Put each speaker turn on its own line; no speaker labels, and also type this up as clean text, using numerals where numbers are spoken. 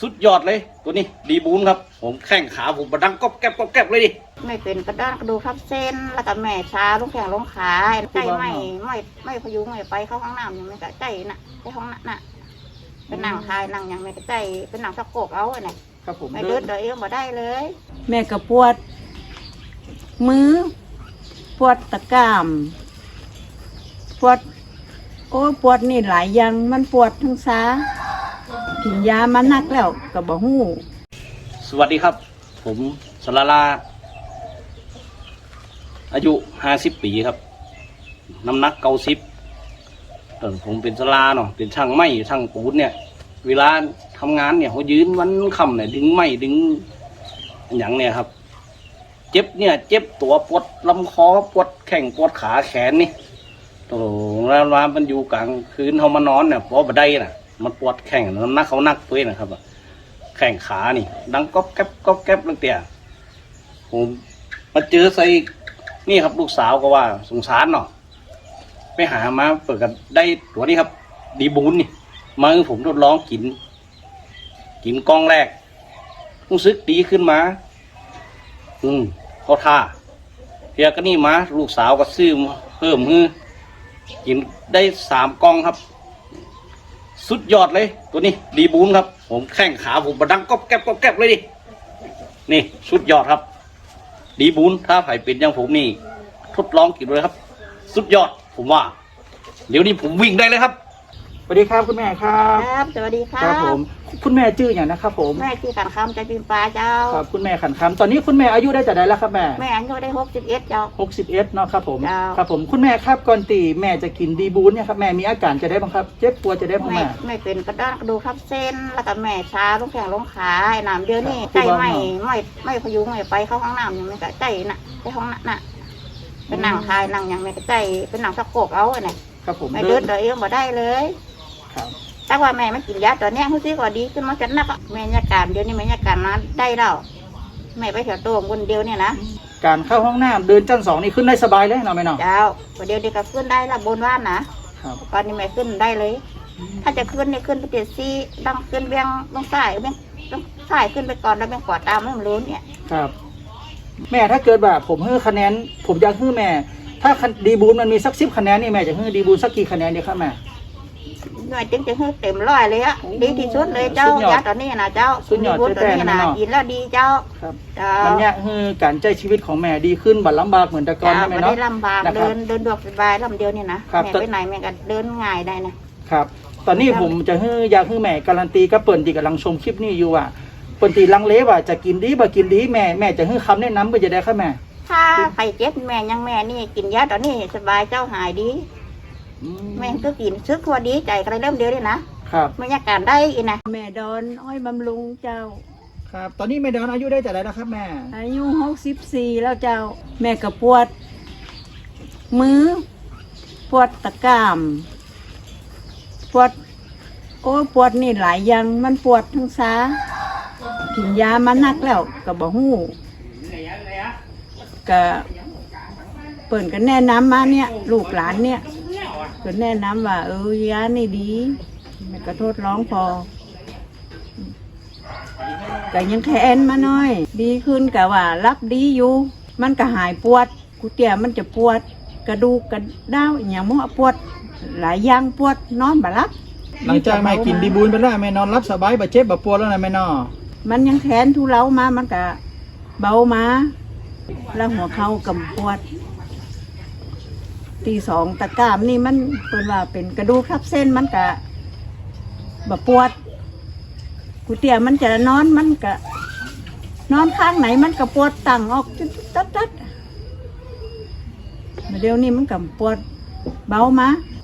สุดยอดเลยตัวนี้ดีบูนครับผมแข้งขาผมบดังก๊อบแก๊บก๊อบแก๊บเลยดิ
ไม่เป็นกระด้างกระดูกทับเส้นแล้วก็แม่ชาลูกแข้งลงขาใจไม่พยุงไม่ไปเข้าห้องน้ำยังไม่กระใจน่ะไปห้องน่ะเป็นหนังทายหนังยังไม่กระใจเป็นหนังสะโกกเอาไง
ครับผม
ไม่เดินเดินมาได้เลย
แม่ก็ปวดมือปวดตะกร้ามปวดโอ้ปวดนี่หลายอย่างมันปวดทั้งซ้ากินยามานักแล้วก็บ่ฮู้
สวัสดีครับผมสลาลาอายุ50 ปีครับน้ำหนัก90ผมเป็นสลาเนาะเป็นช่างไม้ช่างปูนเนี่ยเวลาทำงานเนี่ยเขายืนวันค่ำเนี่ยดึงไม้ดึงอย่างเนี่ยครับเจ็บเนี่ยเจ็บตัวปวดลำคอปวดแข้งปวดขาแขนนี่โอ้แล้วร้านมันอยู่กลางคืนเขามานอนเนี่ยเพราะบันไดน่ะมันปวดแข้งน้ำหนักเขานักตัวนะครับแข้งขานี่ดังก๊อบแก๊บก๊อบแก๊บตั้งแต่ผมมาเจอใส่นี่ครับลูกสาวก็ว่าสงสารเนาะไปหามาเปิดกันได้ตัวนี้ครับดีบูนนี่มาผมทดลองกินกล้องแรกรู้สึกดีขึ้นมาเขาท่าเพียก็นี่มาลูกสาวก็ซื้อเพิ่มกินได้3 กล้องครับสุดยอดเลยตัวนี้ดีบูนครับผมแข้งขาผมบดังก๊อบแก๊บก๊อบแก๊บเลยดินี่สุดยอดครับดีบูนถ้าไผ่เป็นอย่างผมนี่ทดลองกินเลยครับสุดยอดผมว่าเดี๋ยวนี้ผมวิ่งได้เลยครับ
สวัสดีครับคุณแม่ครับ
ครับสวัสดีครับ
ครับผมคุณแม่ชื่ออย่างนะครับผม
แม่ชื่อขันคำใจปิมปลาเจ้า
ครับคุณแม่ขันคำตอนนี้คุณแม่อายุได้จะได้แล้วครับแม่
อายุได้61เจ้า
61เนาะครับผมครับผมคุณแม่ครับก่อนตีแม่จะกินดีบูนเนี่ยครับแม่มีอาการจะได้บ้างครับเจ็บปวดจะได้บ้าง
ไม่เป็นกระด้างกระดูกทับเส้นแล้วก็แม่ชาลูกแข้งลงขาน้ำเดียวนี่ใจไม่พยุงไม่ไปเข้าห้องน้ำยังไม่กระใจน่ะไปห้องน่ะเป็นหนังทายหนังยังไม่กระใจเป็นหนังสะโกกเอาไง
ครับผม
ไม่เดินเดินมาได้เลย
ครับ
แต่ว่าแม่ไม่กินยาตัวนี้รู้สึกว่าดีขึ้นมาจัดนักแม่ยาการเดียวนี่แม่ยาการมาได้แล้วแม่ไปเถียวตัวคนเดียวเนี่ยนะ
การเข้าห้องน้ำเดินชั้น2นี่ขึ้นได้สบายเลยเนาะแม่เนาะ
เจ้าคนเดียวก็ขึ้นได้ละบนว่านนะครับตอนนี้แม่ขึ้นได้เลยถ้าจะขึ้นเนี่ยขึ้นไปเจ็ดซี่ต้องขึ้นเบี้ยงต้องสายเบี้ยงต้องสายขึ้นไปก่อนแล้วเบี้ยงกอดตามไม่รู้เนี่ย
ครับแม่ถ้าเกิดแบบผมให้คะแนนผมอยากให้แม่ถ้าดีบูนมันมีสัก10 คะแนนนี่แม่จะให้ดีบูนสักกี่คะแนนดีครับแม่
หน่วยจึงจะให้เต็ม100เลยอะดีที่สุดเลยเจ้ายาตอนนี้นะเจ้า
ดีบูน
ตัวนี้นะกินแล้วดีเจ้า
ครับมันเนี่ยคือการใจชีวิตของแม่ดีขึ้นบัดลำบากเหมือนแต่ก่อนใช่ไหมเนาะ
ไม่ลำบากเดินดวกสบายลำเดียวนี่นะแม่ไปไหนแม่ก็เดินง่ายได้
นะครับตอนนี้ผมจะอยากให้แม่การันตีกับเปิ่นที่กำลังชมคลิปนี้อยู่ว่าเปิ่นตีลังเลว่าจะกินดีบ่กินดีแม่จะให้คำแนะนำก็จะได้ค่ะแม่
ถ้าใครเจ็บแม่ยังแม่นี่กินยาตอนนี้สบายเจ้าหายดีแม่ก็กินซึกพอดีใจอะไรเริ่มเดียวเลยนะครับบรรยากาศได้อีนะ
แม่ดอนอ้อยบำรุงเจ้า
ครับตอนนี้แม่ดอนอายุได้จะได้แล้วครับแม่
อายุ64แล้วเจ้าแม่ก็ปวดมือปวดตะกร้ามปวดโอ้ปวดนี่หลายอย่างมันปวดทั้งซ้ากินยามานักแล้วก็บ่ฮู้ก็เปิ่นก็แนะนำมาเนี่ยลูกหลานเนี่ยก็แนะนำว่ายานี่ดีแม่ก็ทดลองพอก็ยังแทนมาหน่อยดีขึ้นก็ว่ารับดีอยู่มันก็หายปวดกูเตี้ยมันจะปวดกระดูกกระด้าวอย่างมั่วปวดหลายอย่างปวดนอนบ่หลับ
หลังจากแม่กินดีบูนไปแล้วแม่นอนรับสบายบ่เจ็บบ่ปวดแล้วนะแม่นอ
มันยังแทนทุเลามามันก็เบามาแล้วหัวเข่ากำปวดตี2ตะกร้ามนี่มันเป็นว่าเป็นกระดูกทับเส้นมันก็แบบปวดกูเตี้ยมันจะนอนมันก็นอนข้างไหนมันก็ปวดตั้งออกตัดเดี๋ยวนี้มันก็ปวดเบามา